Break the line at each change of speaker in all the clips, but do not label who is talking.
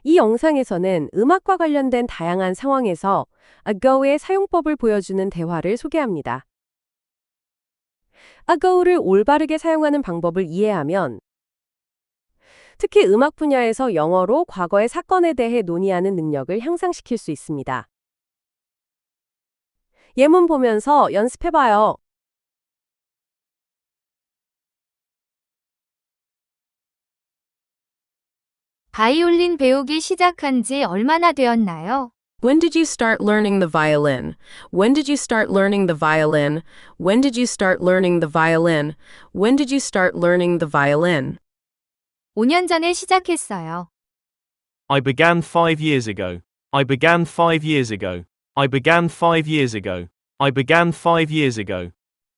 이 영상에서는 음악과 관련된 다양한 상황에서 ago의 사용법을 보여주는 대화를 소개합니다. ago를 올바르게 사용하는 방법을 이해하면 특히 음악 분야에서 영어로 과거의 사건에 대해 논의하는 능력을 향상시킬 수 있습니다. 예문 보면서 연습해봐요.
바이올린 배우기 시작한 지 얼마나 되었나요?
When did you start learning the violin? When did you start learning the violin? When did you start learning the violin? When did you start learning the violin?
5년 전에 시작했어요.
I began 5 years ago. I began 5 years ago. I began 5 years ago. I began 5 years ago.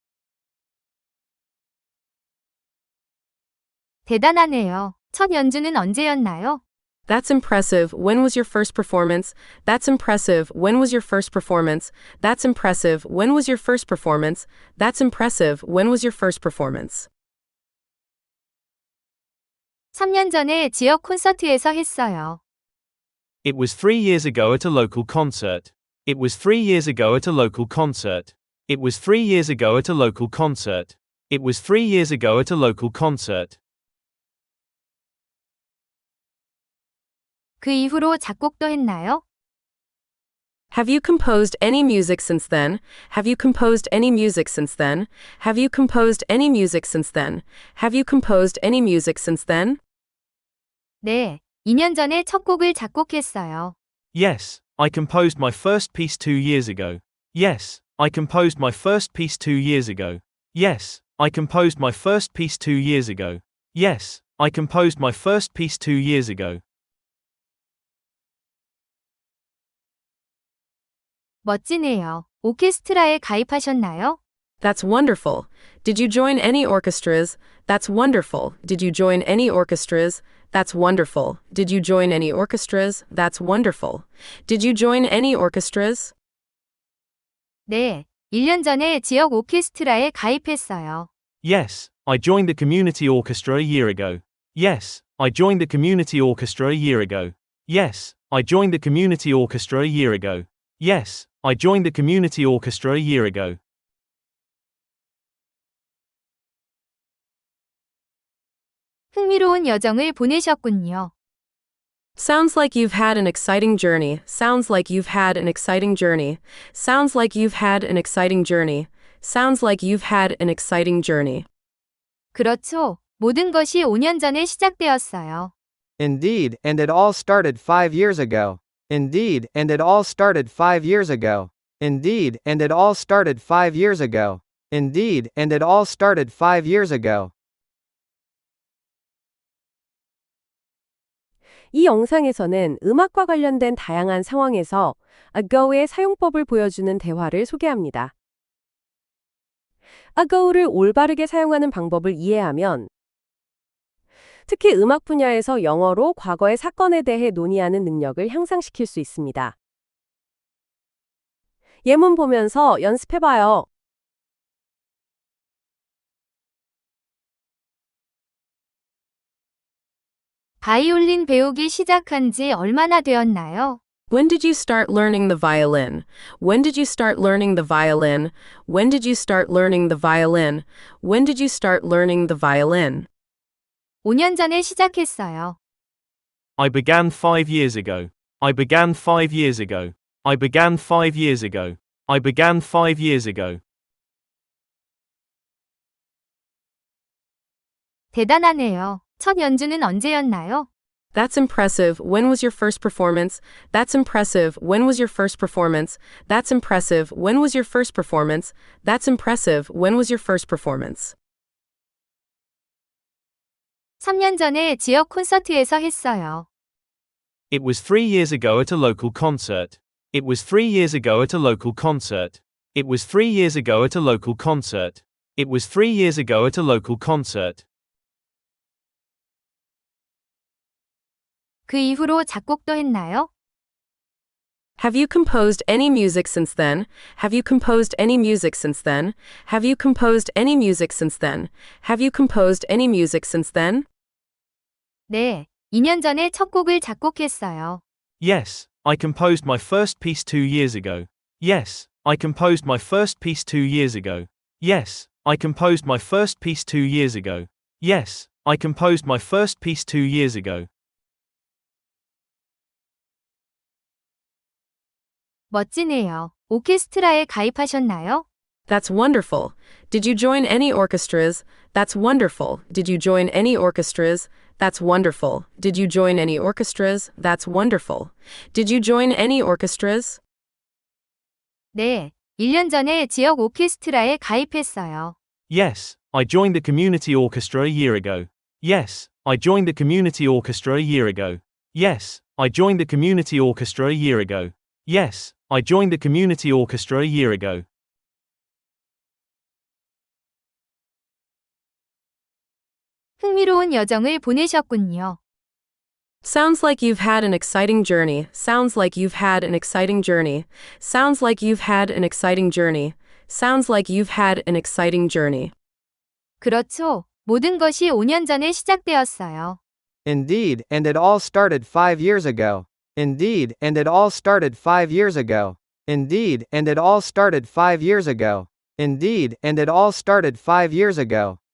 대단하네요. 첫 연주는 언제였나요?
That's impressive. When was your first performance? That's impressive. When was your first performance? That's impressive. When was your first performance? That's impressive. When was your first performance?
3년 전에 지역 콘서트에서 했어요.
It was 3 years ago at a local concert. It was 3 years ago at a local concert. It was 3 years ago at a local concert. It was 3 years ago at a local concert.
그 이후로 작곡도 했나요?
Have you composed any music since then? Have you composed any music since then? Have you composed any music since then? Have you composed any music since then?
네, 2년 전에 첫 곡을 작곡했어요.
Yes, I composed my first piece 2 years ago. Yes, I composed my first piece 2 years ago. Yes, I composed my first piece 2 years ago. Yes, I composed my first piece 2 years ago.
멋지네요. 오케스트라에 가입하셨나요?
That's wonderful. Did you join any orchestras? That's wonderful. Did you join any orchestras? That's wonderful. Did you join any orchestras? That's wonderful. Did you join any orchestras?
네, 1년 전에 지역 오케스트라에 가입했어요.
Yes, I joined the community orchestra a year ago. Yes, I joined the community orchestra a year ago. Yes, I joined the community orchestra a year ago. Yes, I joined the community orchestra a year ago.
흥미로운 여정을 보내셨군요.
Sounds like you've had an exciting journey. Sounds like you've had an exciting journey. Sounds like you've had an exciting journey. Sounds like you've had an exciting journey.
그렇죠. 모든 것이 5년 전에 시작되었어요.
Indeed, and it all started 5 years ago. Indeed, and it all started 5 years ago. Indeed, and it all started 5 years ago. Indeed, and it all started 5 years ago.
이 영상에서는 음악과 관련된 다양한 상황에서 ago의 사용법을 보여주는 대화를 소개합니다. ago를 올바르게 사용하는 방법을 이해하면 특히 음악 분야에서 영어로 과거의 사건에 대해 논의하는 능력을 향상시킬 수 있습니다. 예문 보면서 연습해봐요.
바이올린 배우기 시작한 지 얼마나 되었나요?
When did you start learning the violin? When did you start learning the violin? When did you start learning the violin? When did you start learning the violin?
5년 전에 시작했어요.
I began 5 years ago. I began 5 years ago. I began 5 years ago. I began 5 years ago.
대단하네요. 첫 연주는 언제였나요?
That's impressive. When was your first performance? That's impressive. When was your first performance? That's impressive. When was your first performance? That's impressive. When was your first performance?
3년 전에 지역 콘서트에서 했어요.
It was 3 years ago at a local concert. It was 3 years ago at a local concert. It was 3 years ago at a local concert. It was 3 years ago at a local concert.
그 이후로 작곡도 했나요?
Have you composed any music since then? Have you composed any music since then? Have you composed any music since then? Have you composed any music since then?
네, 2년 전에 첫 곡을 작곡했어요.
Yes, I composed my first piece 2 years ago. Yes, I composed my first piece 2 years ago. Yes, I composed my first piece 2 years ago. Yes, I composed my first piece 2 years ago.
멋지네요. 오케스트라에 가입하셨나요?
That's wonderful. Did you join any orchestras? That's wonderful. Did you join any orchestras? That's wonderful. Did you join any orchestras? That's wonderful. Did you join any orchestras?
네, 1년 전에 지역 오케스트라에 가입했어요.
Yes, I joined the community orchestra a year ago. Yes, I joined the community orchestra a year ago. Yes, I joined the community orchestra a year ago. Yes, I joined the community orchestra a year ago.
흥미로운 여정을 보내셨군요.
Sounds like you've had an exciting journey. Sounds like you've had an exciting journey. Sounds like you've had an exciting journey. Sounds like you've had an exciting journey.
그렇죠. 모든 것이 5년 전에 시작되었어요.
Indeed, and it all started 5 years ago. Indeed, and it all started 5 years ago. Indeed, and it all started 5 years ago. Indeed, and it all started 5 years ago.